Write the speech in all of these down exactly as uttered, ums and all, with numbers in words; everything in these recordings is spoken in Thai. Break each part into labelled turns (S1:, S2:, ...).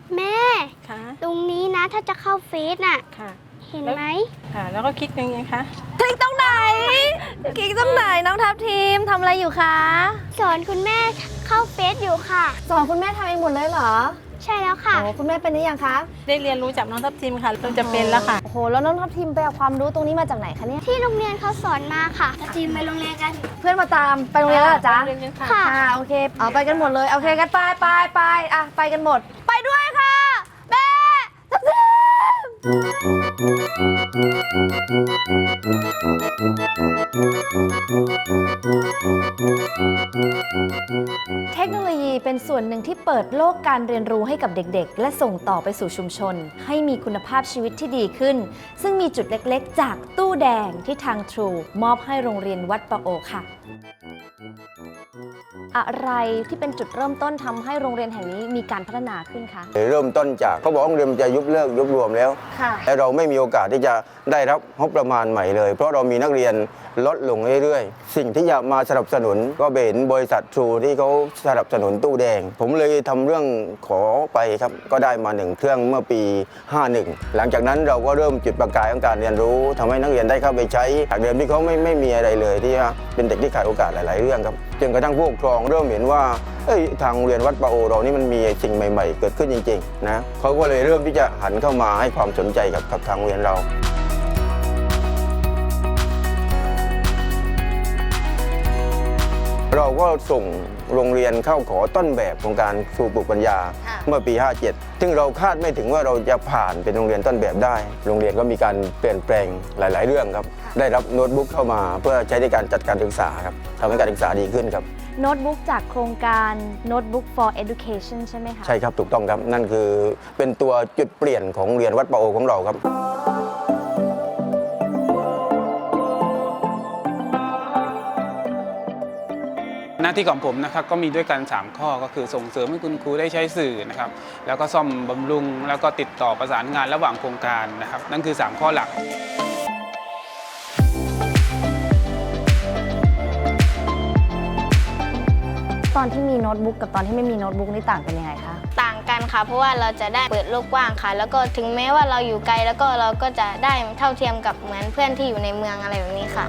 S1: แม่
S2: ค่ะ
S1: ตรงนี้นะถ้าจะเข้าเฟซน่ะ
S2: ค่ะ
S1: เห็นไหม
S2: ค่ะแล้วก็คลิกยังไงคะ
S3: คลิกตรงไหนคลิกตรงไหนน้องทัพทีมทำอะไรอยู่คะ
S1: สอนคุณแม่เข้าเฟซอยู่ค่ะ
S3: สอนคุณแม่ทำเองหมดเลยเหรอ
S1: ใช่แล้วค่ะ
S3: โอ้คุณแม่เป็นหรือยังคะ
S2: ได้เรียนรู้จากน้องทัพทิมค่ะเริ่มจะเป็นแล้วค่ะ
S3: โอ้โหแล้วน้องทัพทีมไปเอาความรู้ตรงนี้มาจากไหนคะเนี่ย
S1: ที่โรงเรียนเขาสอนมาค่ะทีมไปโรงเรียนกัน
S3: เพื่อนมาตามไปโรงเรียนแล้วเหรอจ๊ะ
S2: เรียนกันค่ะ
S1: ค่ะ
S3: ค่ะโอเคเอาไปกันหมดเลยโอเคกันไปไปไปอ่ะไปกันหมด ไปด้วยค่ะแม่ทัพทีมเทคโนโลยีเป็นส่วนหนึ่งที่เปิดโลกการเรียนรู้ให้กับเด็กๆ และส่งต่อไปสู่ชุมชน ให้มีคุณภาพชีวิตที่ดีขึ้น ซึ่งมีจุดเล็กๆ จากตู้แดงที่ทาง True มอบให้โรงเรียนวัดประโอค่ะ อะไรที่เป็นจุดเริ่มต้นทำให้โรงเรียนแห่งนี้มีการพัฒนาขึ้นคะ
S4: เริ่มต้นจากเขาบอกว่าโรงเรียนจะยุบเลิกยุบรวมแล้ว
S3: ค่ะ
S4: และเราไม่มีโอกาสที่จะได้รับงบประมาณใหม่เลย เพราะเรามีนักเรียนลดลงเรื่อยๆ สิ่งที่จะมาสนับสนุนก็เป็นบริษัททรูที่เขาสนับสนุนตู้แดง ผมเลยทำเรื่องขอไปครับก็ได้มาหนึ่งเครื่องเมื่อปี ห้าสิบเอ็ด หลังจากนั้นเราก็เริ่มจุดประกายของการเรียนรู้ทำให้นักเรียนได้เข้าไปใช้จากเดิมที่เขาไม่ไม่มีอะไรเลยที่เป็นเด็กที่ขาดโอกาสหลายๆเรื่องครับจนกระทั่งผู้ปกครองเริ่มเห็นว่าเอ้ยทางโรงเรียนวัดประโอเรานี่มันมีสิ่งใหม่ๆ เกิดขึ้นจริงๆนะเขาก็เลยเริ่มที่จะหันเข้ามาให้ความสนใจกับกับทางโรงเรียนเราเราก็ส่งโรงเรียนเข้าขอต้นแบบของการครูปลูกปัญญาเมื่อปี ห้าเจ็ด ซึ่งเราคาดไม่ถึงว่าเราจะผ่านเป็นโรงเรียนต้นแบบได้ โรงเรียนก็มีการเปลี่ยนแปลงหลาย ๆ เรื่องครับได้รับโน้ตบุ๊กเข้ามาเพื่อใช้ในการจัดการศึกษาครับทำให้การศึกษาดีขึ้นครับ
S3: โน้ตบุ๊กจากโครงการ Notebook for Education ใช่ไหมคะ
S4: ใช่ครับถูกต้องครับนั่นคือเป็นตัวจุดเปลี่ยนของโรงเรียนวัดประโอของเราครับ
S5: หน้าที่ของผมนะครับก็มีด้วยกันสามข้อก็คือส่งเสริมให้คุณครูได้ใช้สื่อนะครับแล้วก็ซ่อมบำรุงแล้วก็ติดต่อประสานงานระหว่างโครงการนะครับนั่นคือสามข้อหลัก
S3: ตอนที่มีโน้ตบุ๊กกับตอนที่ไม่มีโน้ตบุ๊กนี่ต่างกันยังไงคะ
S1: ต่างกันค่ะเพราะว่าเราจะได้เปิดโลกกว้างค่ะ แล้วก็ถึงแม้ว่าเราอยู่ไกลแล้วก็เราก็จะได้เท่าเทียมกับเหมือนเพื่อนที่อยู่ในเมืองอะไรแบบนี้ค่ะ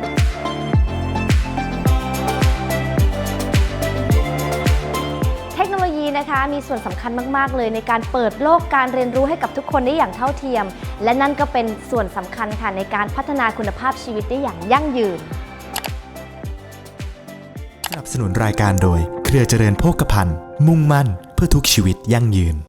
S3: เทคโนโลยีนะคะมีส่วนสำคัญมากๆเลยในการเปิดโลกการเรียนรู้ให้กับทุกคนได้อย่างเท่าเทียม และนั่นก็เป็นส่วนสำคัญค่ะในการพัฒนาคุณภาพชีวิตได้อย่างยั่งยืน
S6: สนับสนุนรายการโดยเครือเจริญโภคภัณฑ์มุ่งมั่นเพื่อทุกชีวิตยั่งยืน